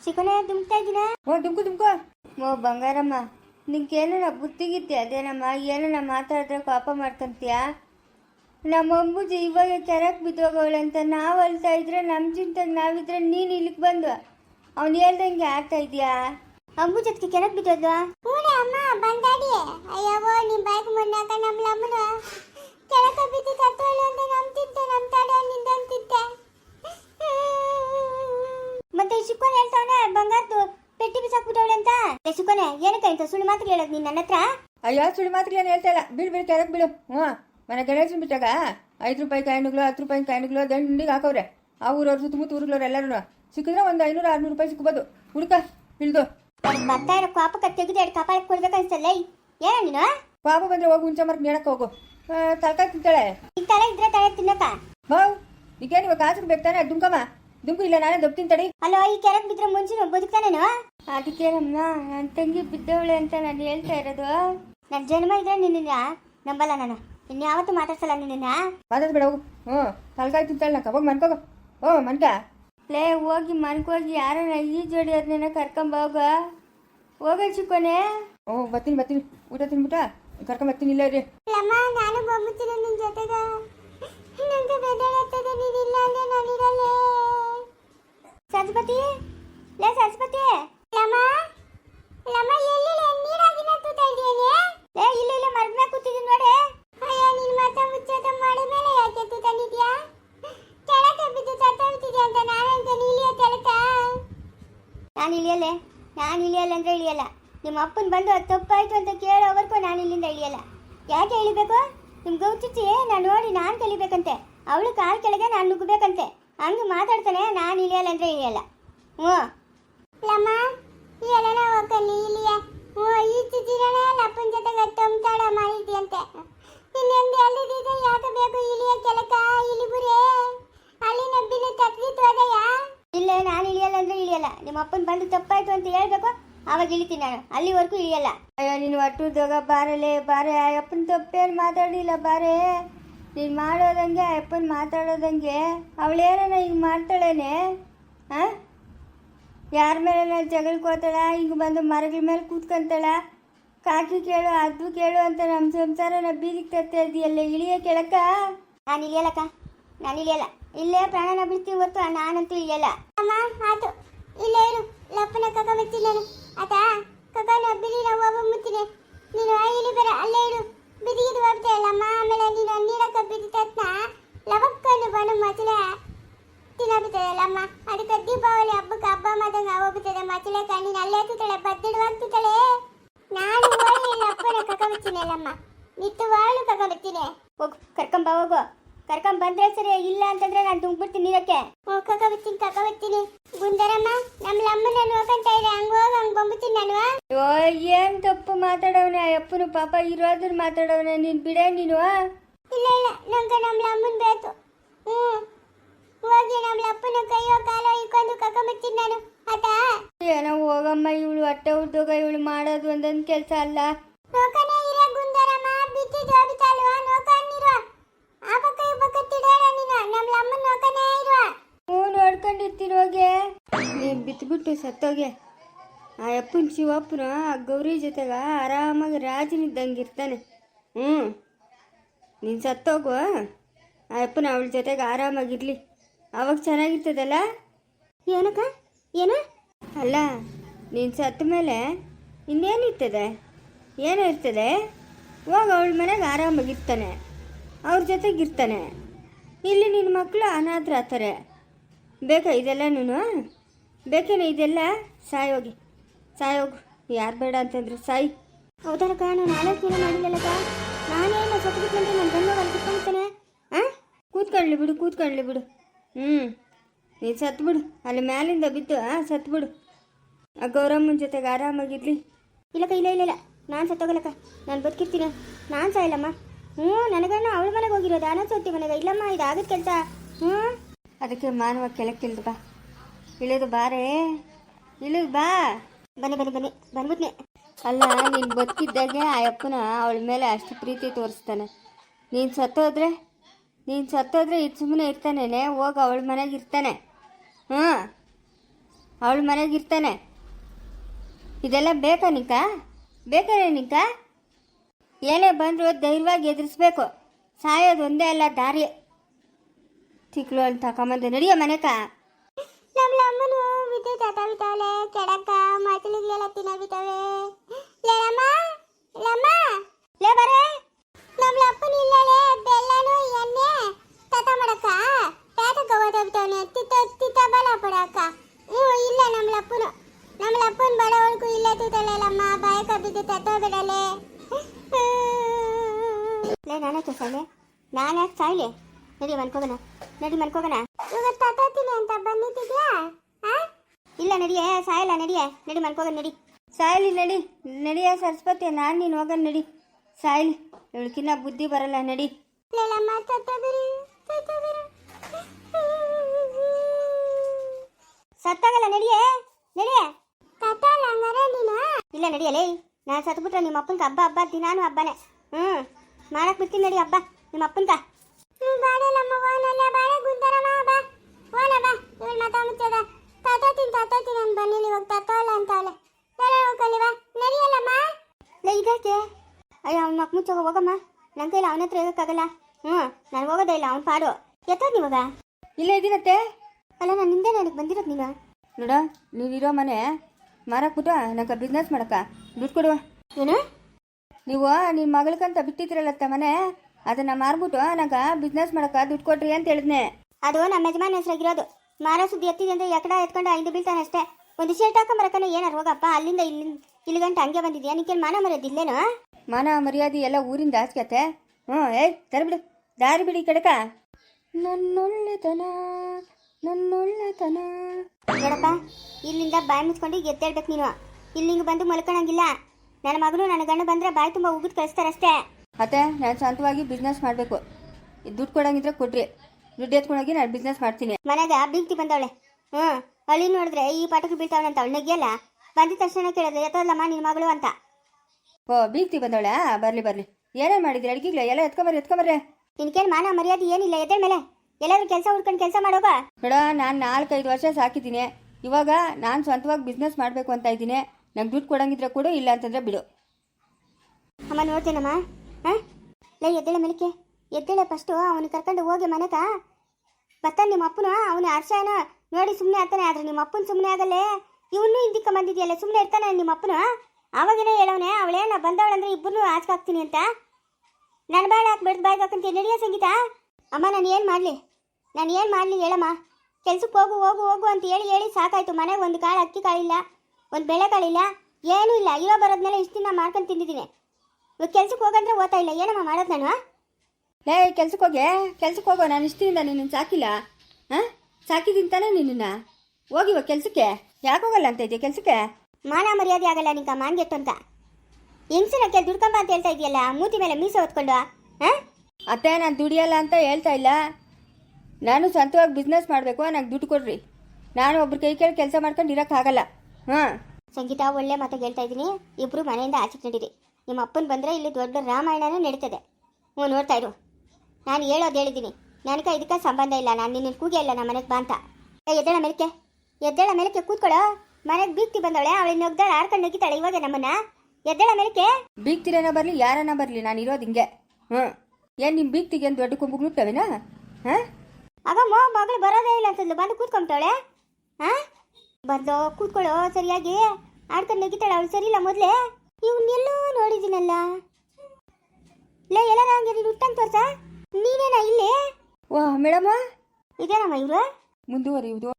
ಚಿಕನ ದುಮ್ತಾ ಇದ್ದೀನ. ಓ ದುಮ್ಕೋ. ಓ ಬಂಗಾರಮ್ಮ, ನಿಂಗೇನ ಬುದ್ಧಿಗಿತ್ತೆ ಅದೇನಮ್ಮ? ಏನನ್ನ ಮಾತಾಡಿದ್ರೆ ಪಾಪ ಮಾಡ್ಕೊಂತೀಯ? ನಮ್ಮ ಅಂಬುಜಿ ಇವಾಗ ಕೆರಕ್ ಬಿದ್ದೋಗವಳಂತ ನಾವು ಅಳ್ತಾ ಇದ್ರೆ ನಮ್ಮ ಚಿಂತೆಗೆ ನಾವಿದ್ರೆ ನೀನು ಇಲ್ಲಿಗೆ ಬಂದು ಅವ್ನು ಹೇಳ್ದಂಗೆ ಆಡ್ತಾ ಇದೀಯಾ? ಅಂಬುಜತ್ಗೆ ಕೆರಕ್ ಬಿದ್ದೋದ್ವಾ? ಹೂನೆ ಅಮ್ಮ ಬಂದಾಡಿ. ಅಯ್ಯವ್ವ ನಿಮ್ಮ ಬೈಕ್ ಮುನ್ನಾಕ ನಮ್ಮ ಲಮ್ಮನ ಕೆಳಕ ಬಿದ್ದು ತತ್ತೋಳು ಅಂತ ನಂಬ್ತಿದ್ದೆ, ನಮ್ಮ ತಡ ನಿಂದಂತಿದ್ದೆ. ಮತ್ತೆ ಶಿಕೋನೆ ಹೇಳ್ತಾವನೆ ಬಂಗಾರದು ಪೆಟ್ಟಿ ಬಿಸಾಕ್ಬಿಟ್ಟವಳೆ ಅಂತ. ಶಿಕೋನೆ ಏನಕ್ಕೆ ಅಂತ ಸುಳ್ಳು ಮಾತು ಹೇಳೋದು ನೀನು ನನ್ನ ಹತ್ರ? ಅಯ್ಯೋ ಸುಳ್ಳು ಮಾತ್ರ ಏನು ಹೇಳ್ತಾ ಇಲ್ಲ. ಬೀಳು ಕೆರಕ್ ಬೀಳು. ಮನೆ ಗಣೇಶನ್ ಬಿಟ್ಟಾಗ 5 ರೂಪಾಯಿ ಕಾಯಿನ್ಗಳು 10 ರೂಪಾಯಿ ಕಾಯಿನ್ಗಳು ದಂಡಿಗೆ ಹಾಕವ್ರೆ. ಆ ಊರವ್ರು ಸುತ್ತಮುತ್ತ ಊರುಗಳವ್ರು ಎಲ್ಲರೂ ಸಿಕ್ಕಿದ್ರೆ ಒಂದು 500-600 ರೂಪಾಯಿ ಸಿಕ್ಕೋಬೋದು. ಹುಡುಕ ಇಳ್ದು ಬರ್ತಾ ಇರೋ ಪಾಪಕ್ಕೆ ತೆಗೆದು 2 ಕಾಪಾಳಕ್ಕೆ ಕೊಡ್ಬೇಕು ಅನ್ಸಲ್ಲ. ಏನ ನೀನು? ಪಾಪ ಬಂದ್ರೆ ಹೋಗಿ ಹುಂಚ ಮರಕ್ಕೆ ನೇಳಕ್ಕೆ ಹೋಗು. ತಲಕಾಯಿ ತಿಂತಾಳೆ. ಈಗ ತಲೆ ಇದ್ರೆ ತಲೆ ತಿನ್ನಕ ಬಾವು ಈಗೇನು ಇವಾಗ ಕಾಸಿಗೆ ಬೇಕಾನೆ ದುಂಕು ಇಲ್ಲ ನಾನೇ ದಪ್ಪು ತಿಂತಡಿ. ಅಲ್ಲೋ ಈ ಕೆರಕ್ ಬಿದ್ರೆ ಮುಂಚೆ ಬದುಕ್ತಾನೇನು? ಅದಕ್ಕೆ ನನ್ನ ತಂಗಿ ಬಿದ್ದವಳೆ ಅಂತ ನಾನು ಹೇಳ್ತಾ ಇರೋದು. ನನ್ನ ಜನ್ಮ ಇದ್ರೆ ನಿನ್ನ ನಂಬಲ್ಲ ನಾನು. ಇನ್ಯಾವತ್ತೂ ಮಾತಾಡ್ಸಲ್ಲ ನಿನ್ನ. ಮಾತಾಡ್ಬೇಡ ಹೋಗು. ತಲಕಾಯಿ ತಿಂತಾಳೆ ಹೋಗಿ ಮನ್ಕೋಗು. ಮನ್ಕ ಲೇ ಹೋಗಿ ಮನ್ಕೋಗಿ ಯಾರನ್ನ ಈ ಜೋಡಿ ಅದನ್ನ ಕರ್ಕೊಂಬೋಗ ಹೋಗ ಚಿಕ್ಕೋನೆ. ಬರ್ತೀನಿ ಊಟ ತಿನ್ಬಿಟ್ಟ ಕರ್ಕೊಂಬರ್ತೀನಿ. ಇಲ್ಲ ರೀ ಲಮ್ಮ ನಾನು ಬಂದ್ಬಿಡ್ತೀನಿ ನಿನ್ನ ಜೊತೆಗ. ನಂಗೆ ಬೆದಳತ್ತದೆ, ನೀನಿಲ್ಲ ಅಂದ್ರೆ ನಾನಿರಲ್ಲ. ಸರಸ್ವತಿ, ಲೇ ಸರಸ್ವತಿ. ಲಮ್ಮ ಎಲ್ಲಿ ನೀರಾಗಿನ ತೂತಾ ಇದೆಯೇ? ಲೇ ಇಲ್ಲ ಮರದ ಮೇಲೆ ಕೂತಿದ್ದೀನಿ ನೋಡಿ. ಅಯ್ಯೋ ನಿನ್ನ ಮಾತಾ ಮುಚ್ಚಾಟ ಮಾಡಿ ಮೇಲೆ ಯಾಕೆ ತೂತಾನಿದ್ಯಾ? ಕೆಳಕ್ಕೆ ಬಿದ್ದು ತತ್ತೋಳ್ತಿದ್ಯಾ ಅಂತ ನಾನಂತ ಇಳಿಯ ಕೆಳಕ. ನಾನು ಇಳಿಯಲ್ಲ ಅಂದ್ರೆ ಇಳಿಯಲ್ಲ. ನಿಮ್ಮ ಅಪ್ಪನ ಬಂದು ಅದು ತಪ್ಪಾಯ್ತು ಅಂತ ಕೇಳೋವರೆಗೂ ನಾನು ಇಲ್ಲಿಂದ ಇಳಿಯಲ್ಲ. ಯಾಕೆ ಇಳಿಬೇಕು? ನಿಮ್ಮ ಗೌಚಿಚ್ಚಿ ನಾನು ನೋಡಿ ನಾನು ಕಲಿಬೇಕಂತೆ. ಅವಳು ಕಾಲು ಕೆಳಗೆ ನಾನು ನುಗ್ಗಬೇಕಂತೆ. ಹಂಗೆ ಮಾತಾಡ್ತಾನೆ. ನಾನು ಇಳಿಯಲ್ಲ ಅಂದ್ರೆ ಇಳಿಯಲ್ಲ. ಲಮ್ಮ ಎಲ್ಲನ ಹೋಗಲಿ ಇಲ್ಲಿಯ. ಈಚೆ ದಿನ ಅಪ್ಪನ ಜೊತೆಗೆ ತೊಂತಾಳ ಮಾಡಿದ್ಯಂತೆ. ಇನ್ನೊಂದು ಅಲ್ಲಿದ್ದ ಯಾಕೆ ಬೇಕು ಇಳಿಯ ಕೆಳಕ? ಇಳಿಬುರೇ ಅಲ್ಲಿ ನಬ್ಬಿನ ತಕ್ಲಿತ್ತು ಅದಯ್ಯ. ಇಲ್ಲ ನಾನು ಇಳಿಯಲ್ಲ ಅಂದ್ರೆ ಇಳಿಯಲ್ಲ. ನಿಮ್ಮ ಅಪ್ಪನ ಬಂದು ತಪ್ಪಾಯ್ತು ಅಂತ ಹೇಳ್ಬೇಕು, ಆವಾಗ ಇಳಿತೀನಿ ನಾನು. ಅಲ್ಲಿವರೆಗೂ ಇಳಿಯಲ್ಲ. ಅಯ್ಯೋ ನೀನು ಒಟ್ಟುದಾಗ ಬಾರಲೇ ಬಾರೆ. ಆ ಅಪ್ಪನ ತಪ್ಪೇನು ಮಾತಾಡಿಲ್ಲ ಬಾರೆ. ನೀನು ಮಾಡೋದಂಗೆ ಆ ಅಪ್ಪನ ಮಾತಾಡೋದಂಗೆ. ಅವಳೇನ ಹಿಂಗೆ ಮಾಡ್ತಾಳೇನೆ? ಯಾರ ಮೇಲೆ ನಾನು ಜಗಳಕೋತಾಳ? ಹಿಂಗೆ ಬಂದು ಮರಗಳ ಮೇಲೆ ಕೂತ್ಕೊಂತಾಳ. ಕಾಕಿ ಕೇಳು ಅದು ಕೇಳು ಅಂತ ನಮ್ಮ ಸಂಸಾರನ ಬೀದಿಗೆ ತರ್ತಾ ಇದೆಯಲ್ಲ. ಇಳಿಯ ಕೆಳಕ? ನಾನು ಇಳಿಯಲ್ಲಕ್ಕ, ನಾನು ಇಳಿಯಲ್ಲ. ಇಲ್ಲೇ ಪ್ರಾಣನ ಬಿಡ್ತೀವಿ ಹೊತ್ತು ನಾನಂತೂ ಇಳಿಯಲ್ಲ. ಅಮ್ಮ ಆತು ಇಲ್ಲೇ ಇರು. ಲಪ್ಪನ ಕಕ್ಕ ಬರ್ತೀನಿ ನಾನು. ಆತಾ ಕಕ್ಕನ ಬಿಡಿ ನಾವು ಹೋಗ್ಬಿಡ್ತೀನಿ. ನೀನು ಇಲ್ಲಿ ಬರ ಅಲ್ಲೇ ಇರು. ಬಿದಿಗಿದು ಹೋಗ್ತಾಯಲ್ಲಮ್ಮ. ಆಮೇಲೆ ನೀನು ನೀರಕ್ಕ ಬಿದ್ದ ತಕ್ಷಣ ಲವಕ್ಕನ್ನು ಬಂದು ಮಚಲೆ ತಿನ್ನಬಿಡ್ತದಲ್ಲಮ್ಮ. ಅದಕ್ಕೆ ದೀಪಾವಳಿ ಹಬ್ಬಕ್ಕೆ ಹಬ್ಬ ಮಾದಂಗೆ ಹೋಗ್ಬಿಡ್ತದೆ. ಮಚಲೆ ಕಣ್ಣಿನ ಅಲ್ಲೇ ತುತ್ತಾಳೆ, ಬದ್ದಿಡುವಾಗ್ತಿದ್ದಾಳೆ. ನಾನು ಓಡಿ ಲಪ್ಪನ ಕಕ್ಕ ಬರ್ತೀನಲ್ಲಮ್ಮ. ನಿತ್ತು ವಾಳು ಕಕ್ಕ ಬರ್ತೀನಿ. ಹೋಗು ಕರ್ಕೊಂಬ ಹೋಗು. ಕರ್ಕೊಂಬಂದ್ರೆ ಸರಿ, ಇಲ್ಲ ಅಂತಂದ್ರೆ ನಾನು ತುಂಬಿಡ್ತೀನಿ ನೀರಕ್ಕೆ. ಕಕ್ಕ ಬರ್ತೀನಿ. ಗುಂದರಮ್ಮ ನಮ್ಮ ಲಮ್ಮನ ನೋಡ್ಕೊಂತ ಇದೆ. ಹಂಗೆ ಬಂದ್ಬಿಡ್ತೀನಿ ನಾನು. ಅಯ್ಯೋ ಏನು ತಪ್ಪು ಮಾತಾಡವನೆ ಆ ಅಪ್ಪನು. ಪಾಪ ಇರೋದ್ರ ಮಾತಾಡವನೆ. ನೀನು ಬಿಡ ನೀನು. ಇಲ್ಲ ನಂಗೆ ನಮ್ಮ ಲಮ್ಮನ ಬೇಕು. ಹೋಗಿ ನಮ್ಮ ಲಪ್ಪನ ಕೈಯೋ ಕಾಲೋ ಇಕ್ಕೊಂಡು ಕರ್ಕೊಂಡ್ಬಿಡ್ತೀನಿ ನಾನು. ಆತಾ ಏನೋ ಹೋಗಮ್ಮ. ಇವಳು ಹೊಟ್ಟೆ ಉದ್ದೋಗ ಇವಳು ಮಾಡೋದು ಒಂದೊಂದು ಕೆಲಸ ಅಲ್ಲ. ನೋಕನೇ ಇರೋ ಗುಂದರಮ್ಮ. ಬಿಟ್ಟಿದ್ದು ಹೋಗ್ಬಿಟ್ಟಲ್ವಾ? ನೋಕನ್ನಿರೋ ಆ ಪಕ್ಕ ಈ ಪಕ್ಕ ತಿಡೋಣ ನೀನು. ನಮ್ಮ ಲಮ್ಮನ ನೋಕನೇ ಇರುವ. ನೋಡ್ಕೊಂಡಿರ್ತೀನಿ ಹೋಗಿ. ನೀನು ಬಿತ್ಬಿಟ್ಟು ಸತ್ತೋಗೆ. ಆ ಅಪ್ಪನ ಶಿವಪ್ಪನ ಆ ಗೌರಿ ಜೊತೆಗ ಆರಾಮಾಗಿ ರಾಜನಿದ್ದಂಗೆ ಇರ್ತಾನೆ. ನೀನು ಸತ್ತೋಗು. ಆ ಅಪ್ಪನ ಅವಳ ಜೊತೆಗೆ ಆರಾಮಾಗಿರ್ಲಿ. ಅವಾಗ ಚೆನ್ನಾಗಿರ್ತದಲ್ಲ. ಏನಕ್ಕ? ಏನು? ಅಲ್ಲ ನೀನು ಸತ್ತ ಮೇಲೆ ಇನ್ನೇನಿರ್ತದೆ? ಏನೋ ಇರ್ತದೆ. ಹೋಗ ಅವಳ ಮನೆಗೆ ಆರಾಮಾಗಿರ್ತಾನೆ, ಅವ್ರ ಜೊತೆಗಿರ್ತಾನೆ. ಇಲ್ಲಿ ನಿನ್ನ ಮಕ್ಕಳು ಅನಾಥರ ಆಗ್ತಾರೆ. ಬೇಕಾ ಇದೆಲ್ಲ? ನೀನು ಬೇಕೇನೋ ಇದೆಲ್ಲ? ಸಾಯೋಗಿ ಸಾಯೋಗು. ಯಾರು ಬೇಡ ಅಂತಂದ್ರೆ ಸಾಯಿ. ಹೌದಕ್ಕ ನಾನು ಆಲೋಚನೆ ಮಾಡಿಲ್ಲಕ್ಕ. ನಾನೇನು ಸತ್ಬಿಟ್ನಂದ್ರೆ ನನ್ನ ಗಂಡ ಅಲ್ಲಿ ಕುತ್ಕೊಂಡ್ತಾನೆ. ಕೂತ್ಕೊಳ್ಳಿ ಬಿಡು. ನೀನು ಸತ್ಬಿಡು. ಅಲ್ಲಿ ಮ್ಯಾಲಿಂದ ಬಿದ್ದು ಸತ್ಬಿಡು. ಆ ಗೌರಮ್ಮನ ಜೊತೆಗೆ ಆರಾಮಾಗಿರ್ಲಿ. ಇಲ್ಲಕ್ಕ ಇಲ್ಲ ನಾನು ಸತ್ತೋಗಲ್ಲಕ್ಕ. ನಾನು ಬದುಕಿರ್ತೀನಿ. ನಾನು ಸಾಯಿಲ್ಲಮ್ಮ. ನನಗಣ್ಣ ಅವಳ ಮನೆಗೆ ಹೋಗಿರೋದು. ಅನಸೋತಿ ಮನೆಗೆ. ಇಲ್ಲಮ್ಮ ಇದಾಗದ ಕೆಲಸ. ಅದಕ್ಕೆ ಮಾನವ ಕೆಳಕ್ಕೆ ಇಳಿದು ಬಾ. ಇಳಿದು ಬಾರೇ. ಇಳಿದು ಬಾ. ಬನ್ನಿ ಬಂದ್ಬಿಟ್ನೆ. ಅಲ್ಲ ನೀನು ಬದುಕಿದ್ದಾಗೆ ಆ ಅಪ್ಪನ ಅವಳ ಮೇಲೆ ಅಷ್ಟು ಪ್ರೀತಿ ತೋರಿಸ್ತಾನೆ. ನೀನು ಸತ್ತೋದ್ರೆ ಇದು ಸುಮ್ಮನೆ ಇರ್ತಾನೇನೆ? ಹೋಗಿ ಅವಳ ಮನೆಗೆ ಇರ್ತಾನೆ. ಅವಳ ಮನೆಗೆ ಇರ್ತಾನೆ. ಇದೆಲ್ಲ ಬೇಕಾ ನಿಂಕ? ಬೇಕಾರೆ ನಿಂಕ? ಏನೇ ಬಂದರೂ ಧೈರ್ಯವಾಗಿ ಎದುರಿಸ್ಬೇಕು. ಸಾಯೋದು ಒಂದೇ ಅಲ್ಲ ದಾರಿ. ತಿಕ್ಲು ಅಂತ ತಗೊಂಬಂದು ನಡಿಯ ಮನೆಕ. ನಮ್ಮ ಅಮ್ಮನು ವಿದ್ಯುತ್ ಹತ್ತಾವಿತಾವಲೆ ಕೆಡಕ ಮಕ್ಕಳಿಗೆಲ್ಲ ತಿನ್ನಬಿದ್ದಾವೆ. ಲಮ್ಮ ಲಮ್ಮ ಲೇ ಬರೇ. ನಮ್ಮ ಅಪ್ಪನ ಇಲ್ಲಳೆ ಬೆಲ್ಲನು ಎಣ್ಣೆ ತತ ಮಾಡಕ ತಾತಕ ಓದಾಬಿತಾವನೆ ತಿತ್ತ ಬಲ ಪಡಕ. ಇಲ್ಲ ನಮ್ಮ ಅಪ್ಪನ ಬಡವಳಿಗೂ ಇಲ್ಲ ತಿತ್ತಳೆಲ್ಲಮ್ಮ ಬಾಯಕ ಬಿದ್ದು ತತ ಬಿಡಲೆ. ಲೇ ನಾನಕ್ಕೆ ಸಾಯ್ಲೆ? ನಾನು ಯಾಕೆ ಸಾಯ್ಲೆ? ನಡಿ ಮನ್ಕೋಗಣ, ನಡಿ ಮನ್ಕೋಗಣ. ಇವಾಗ ತತೀನಿ ಅಂತ ಬಂದಿದ್ಯಾ? ಇಲ್ಲ ನಡಿಯೇ, ಸಾಯಲ್ಲ ನಡಿಯೇ, ನಡಿ ಮನ್ಕೋಗಣ ನಡಿ. ಸಾಯಲಿ ನಡಿ, ನಡಿಯ ಸರಸ್ವತಿ, ನಾನು ನೀನು ಹೋಗೋಣ ನಡಿ. ಸಾಯಲಿ, ಇವಳಕಿನ್ನ ಬುದ್ಧಿ ಬರಲ್ಲ ನಡಿ. ಲಮ್ಮ ತತ್ತಬಿರಿ ಸತ್ತಾಗಲ್ಲ ನಡಿಯೇ, ನಡಿಯೇ. ತತ್ತಲ್ಲ ಹಂಗಾರೆ ನೀನು? ಇಲ್ಲ ನಡಿಯಲೇ, ನಾನು ಸತ್ಬಿಟ್ರೆ ನಿಮ್ಮ ಅಪ್ಪನ್ಕ ಹಬ್ಬ ದಿನಾನು ಹಬ್ಬನೇ. ಮಾಡಕ್ ಬಿಡ್ತೀನಿ ನಡಿ ಹಬ್ಬ ನಿಮ್ಮ ಅಪ್ಪನ್ಕ. ಬಾಡಲಮ್ಮ ಓನಲ್ಲ ಬಾಳೆ ಗುಂದರಮ್ಮ ಬಾ ಓನ ಬಾ. ಇವಳು ಮಾತಾ ಮುಚ್ಚದ ತತ್ತೀನಿ ಅಂತ ಬನ್ನಿಲಿ ಇವಾಗ ತತ್ತೋಲ್ಲ ಅಂತವಳೆ. ಬೇರೆ ಹೋಗಲಿ ಬಾ ನಡಿಯಲ್ಲಮ್ಮ. ಲೇ ಇದಕ್ಕೆ ಅಯ್ಯೋ ಅವ್ನ ಮಕ್ಕ ಮುಚ್ಚೋಗ ಹೋಗಮ್ಮ. ನನ್ನ ಕೈಲಿ ಅವನ ಹತ್ರ ಇರೋಕ್ಕಾಗಲ್ಲ. ನನಗೆ ಹೋಗೋದೇ ಇಲ್ಲ, ಅವ್ನು ಪಾಡು. ಎತ್ತೋದು ನೀವಾಗ? ಇಲ್ಲೇ ಇದ್ದೀನತ್ತೆ. ಅಲ್ಲ ನಾನು ನಿಂದೆ ನನಗೆ ಬಂದಿರೋದು ನೀನು. ನೋಡ, ನೀವಿರೋ ಮನೆ ಮಾರಾಕ್ಬಿಟ್ಟು ನಂಗೆ ಬಿಸ್ನೆಸ್ ಮಾಡಕ್ಕ ದುಡ್ಡು ಕೊಡುವ. ಏನು? ನೀವು ನಿಮ್ಮ ಮಗಳಕ್ಕಂತ ಬಿಟ್ಟಿದ್ರಲ್ಲತ್ತ ಮನೆ, ಅದನ್ನು ಮಾರ್ಬಿಟ್ಟು ನಂಗೆ ಬಿಸ್ನೆಸ್ ಮಾಡಕ್ಕ ದುಡ್ಡು ಕೊಟ್ರಿ ಅಂತ ಹೇಳಿದ್ನೆ. ಅದು ನಮ್ಮ ಯಜಮಾನ ಹೆಸರಾಗಿರೋದು. ಮಾರೋ ಸುದ್ದಿ ಎತ್ತಿದೆ ಅಂದರೆ ಎಕಡ ಎತ್ಕೊಂಡು ಐದು ಬೀಳ್ತಾನೆ ಅಷ್ಟೇ. ಒಂದು ಶರ್ಟ್ ಹಾಕೊಂಬರಕ್ಕನ ಏನಾರು ಹೋಗಪ್ಪ. ಅಲ್ಲಿಂದ ಇಲ್ಲಿ ಗಂಟೆ ಹಂಗೆ ಬಂದಿದ್ಯಾ? ನಿಕ್ಕೇನು ಮಾನ ಮರ್ಯಾದಿಲ್ಲೇನು? ಮಾನ ಮರ್ಯಾದೆ ಎಲ್ಲ ಊರಿಂದ ಆಸ್ಕತ್ತೆ. ಏಯ್ ತರಬಿಡು, ದಾರಿ ಬಿಡಿ ಕಡಕ. ನನ್ನೊಳ್ಳೆತನ ನೋಡಪ್ಪ, ಇಲ್ಲಿಂದ ಬಾಯಿ ಮುಚ್ಕೊಂಡು ಎದ್ದೇಳ್ಬೇಕು ನೀನು. ಇಲ್ಲಿ ಹಿಂಗೆ ಬಂದು ಮಲ್ಕೊಳಂಗಿಲ್ಲ. ನನ್ನ ಮಗನು ನನ್ನ ಗಂಡ ಬಂದರೆ ಬಾಯಿ ತುಂಬ ಉಗಿದು ಕಳಿಸ್ತಾರಷ್ಟೇ. ಮತ್ತೆ ನಾನು ಸ್ವಂತವಾಗಿ ಬಿಸ್ನೆಸ್ ಮಾಡಬೇಕು. ದುಡ್ಡು ಕೊಡಂಗಿದ್ರೆ ಕೊಡ್ರಿ, ದುಡ್ಡು ಎತ್ಕೊಂಡೋಗಿ ನಾನು ಬಿಸ್ನೆಸ್ ಮಾಡ್ತೀನಿ. ಮನೆಗೆ ಬೀಗ್ತಿ ಬಂದವಳೆ. ಅಲ್ಲಿ ನೋಡಿದ್ರೆ ಈ ಪಾಠಕ್ಕೆ ಬೀಳ್ತಾವಳೆ ಅಂತ ಅವಳು ನೆಗಿಯಲ್ಲ. ಬಂದಿದ ತಕ್ಷಣ ಕೇಳಿದ್ರೆ ಎತ್ತೋಲ್ಲಮ್ಮ ನಿನ್ನ ಮಗಳು ಅಂತ. ಓ ಬೀಗ್ತಿ ಬಂದವಳೆ? ಬರಲಿ. ಏನೇನು ಮಾಡಿದ್ರಿ ಅಡುಗೆಗಳು ಎಲ್ಲ ಎತ್ಕೊಂಬರ್ರಿ. ನಿನ್ಕೇನು ಮಾನ ಮರ್ಯಾದೆ ಏನಿಲ್ಲ. ಎದ್ದೇಳ ಮೇಲೆ ಎಲ್ಲಾದ್ರೂ ಕೆಲಸ ಹುಡ್ಕೊಂಡು ಕೆಲಸ ಮಾಡೋಗ. ನೋಡ, ನಾನು 4-5 ವರ್ಷ ಸಾಕಿದ್ದೀನಿ. ಇವಾಗ ನಾನು ಸ್ವಂತವಾಗಿ ಬಿಸ್ನೆಸ್ ಮಾಡಬೇಕು ಅಂತ ಇದ್ದೀನಿ. ನಂಗೆ ದುಡ್ಡು ಕೊಡಂಗಿದ್ರೆ ಕೊಡು, ಇಲ್ಲ ಅಂತಂದ್ರೆ ಬಿಡು. ಅಮ್ಮ ನೋಡ್ತೇನಮ್ಮ. ಲೈ ಎದ್ದೇಳ ಮೇಲಕ್ಕೆ, ಎದ್ದೇಳ ಫಸ್ಟು. ಅವನು ಕರ್ಕೊಂಡು ಹೋಗಿ ಮನೆಗ ಬರ್ತಾನೆ ನಿಮ್ಮ ಅಪ್ಪನು. ಅವನು ಹರ್ಷನ ನೋಡಿ ಸುಮ್ಮನೆ ಆಗ್ತಾನೆ. ಆದ್ರೆ ನಿಮ್ಮ ಅಪ್ಪನ ಸುಮ್ಮನೆ ಆಗಲ್ಲೇ. ಇವನು ಹಿಂದಿಕ್ಕ ಬಂದಿದೆಯಲ್ಲ, ಸುಮ್ಮನೆ ಇರ್ತಾನೆ ನಿಮ್ಮ ಅಪ್ಪನು. ಆವಾಗೇನೆ ಹೇಳವನೆ ಅವಳೇನ ಬಂದವಳಂದ್ರೆ ಇಬ್ಬರು ಆಚೆ ಹಾಕ್ತೀನಿ ಅಂತ. ನನ್ನ ಬಾಳೆ ಹಾಕಿ ಬೆಳೆದು ಬಾಯಿಗೆ ಹಾಕಂತ ನಡಿಯೋ ಸಂಗೀತ. ಅಮ್ಮ ನಾನು ಏನು ಮಾಡಲಿ ಹೇಳಮ್ಮ. ಕೆಲ್ಸಕ್ಕೆ ಹೋಗು ಅಂತ ಹೇಳಿ ಸಾಕಾಯ್ತು. ಮನೆಗೆ ಒಂದು ಕಾಳು ಅಕ್ಕಿ ಕಾಳಿಲ್ಲ, ಒಂದು ಬೇಳೆ ಕಾಳಿಲ್ಲ, ಏನೂ ಇಲ್ಲ. ಇರೋ ಬರೋದ್ಮೇಲೆ ಇಷ್ಟು ದಿನ ಮಾಡ್ಕೊಂಡು ತಿಂದಿದ್ದೀನಿ. ಇವಾಗ ಕೆಲ್ಸಕ್ಕೆ ಹೋಗಂದ್ರೆ ಓದ್ತಾ ಇಲ್ಲ. ಏನಮ್ಮ ಮಾಡೋದು ನಾನು? ಲೇ ಕೆಲ್ಸಕ್ಕೆ ಹೋಗೋ. ನಾನು ಇಷ್ಟದಿಂದ ನಿನ್ನ ಸಾಕಿಲ್ಲ. ಸಾಕಿದ್ದೀನಿ ತಾನೇ ನಿನ್ನ. ಹೋಗಿವ ಕೆಲ್ಸಕ್ಕೆ. ಯಾಕೆ ಹೋಗಲ್ಲ ಅಂತ ಇದೆಯಾ ಕೆಲ್ಸಕ್ಕೆ? ಮಾನ ಮರ್ಯಾದೆ ಆಗಲ್ಲ ನಿಂಕ ಮಾನ್ಗೆಟ್ಟು ಅಂತ. ಹೆಂಗಸರಕ್ಕೆ ದುಡ್ಕೊಂಬ ಅಂತ ಹೇಳ್ತಾ ಇದೆಯಲ್ಲ, ಮೂತಿ ಮೇಲೆ ಮೀಸೆ ಹೊತ್ಕೊಂಡು. ಅತ್ತೆ ನಾನು ದುಡಿಯಲ್ಲ ಅಂತ ಹೇಳ್ತಾ ಇಲ್ಲ. ನಾನು ಸ್ವಂತವಾಗಿ ಬಿಸ್ನೆಸ್ ಮಾಡಬೇಕು, ನಂಗೆ ದುಡ್ಡು ಕೊಡ್ರಿ. ನಾನು ಒಬ್ರು ಕೈ ಕೇಳಿ ಕೆಲಸ ಮಾಡ್ಕೊಂಡು ಇರೋಕ್ಕಾಗಲ್ಲ. ಸಂಗೀತ, ಒಳ್ಳೆ ಮಾತಾಗಿ ಹೇಳ್ತಾ ಇದ್ದೀನಿ. ಇಬ್ಬರು ಮನೆಯಿಂದ ಆಚೆ ನಡೀರಿ. ನಿಮ್ಮ ಅಪ್ಪನ ಬಂದರೆ ಇಲ್ಲಿ ದೊಡ್ಡ ರಾಮಾಯಣನೂ ನಡೀತದೆ. ನೋಡ್ತಾ ಇರು. ನಾನು ಹೇಳಿದ್ದೀನಿ. ನನಗೆ ಇದಕ್ಕೆ ಸಂಬಂಧ ಇಲ್ಲ. ನಾನು ನಿನ್ನ ಕೂಗೆ ಇಲ್ಲ ನಮ್ಮ ಮನೆಗೆ ಬಾ ಅಂತ. ಎದ್ದೇಳ ಮೇಲಕ್ಕೆ ಕೂತ್ಕೊಳ್ಳೋ. ಮನೆಗೆ ಬೀಗ್ತಿ ಬಂದವಳೆ, ಅವಳಿಗೆ ನಗ್ದಾಳೆ, ಆಡ್ಕೊಂಡು ನಗಿತಾಳೆ ಇವಾಗ ನಮ್ಮನ್ನ. ಎದ್ದೇಳ ಮೇಲಕ್ಕೆ. ಬೀಗ್ತಿರೇನೋ ಬರಲಿ, ಯಾರನ್ನ ಬರಲಿ, ನಾನು ಇರೋದು ಹಿಂಗೆ. ಏನು ನಿಮ್ಮ ಬೀಗ್ತಿಗೆ ಏನು ದೊಡ್ಡ ಕೊಂಬು ಮುಟ್ತವೇನಾ? ಆಗ ಮಗಳು ಬರೋದೇ ಇಲ್ಲ ಅಂತಂದ್ಲು. ಬಂದು ಕೂತ್ಕೊಂಬಿಟ್ಟವಳೆ. ಬಂದು ಕೂತ್ಕೊಳ್ಳೋ ಸರಿಯಾಗಿ. ಆಡ್ಕೊಂಡು ನಗಿತಾಳೆ ಅವಳು. ಸರಿ ಇಲ್ಲ ಮೊದಲೇ. ಇವನ್ನೆಲ್ಲೋ ನೋಡಿದ್ದೀನಲ್ಲ. ಲೇ ಎಲ್ಲ ನಂಗೆ ಹುಟ್ಟಂಗೆ ತೋರ್ಸ. ನೀವೇನಾ ಇಲ್ಲಿ? ಓ ಮೇಡಮ್ಮ, ಇದೇನಮ್ಮ ಇವರು? ಮುಂದುವರಿಯುವುದು.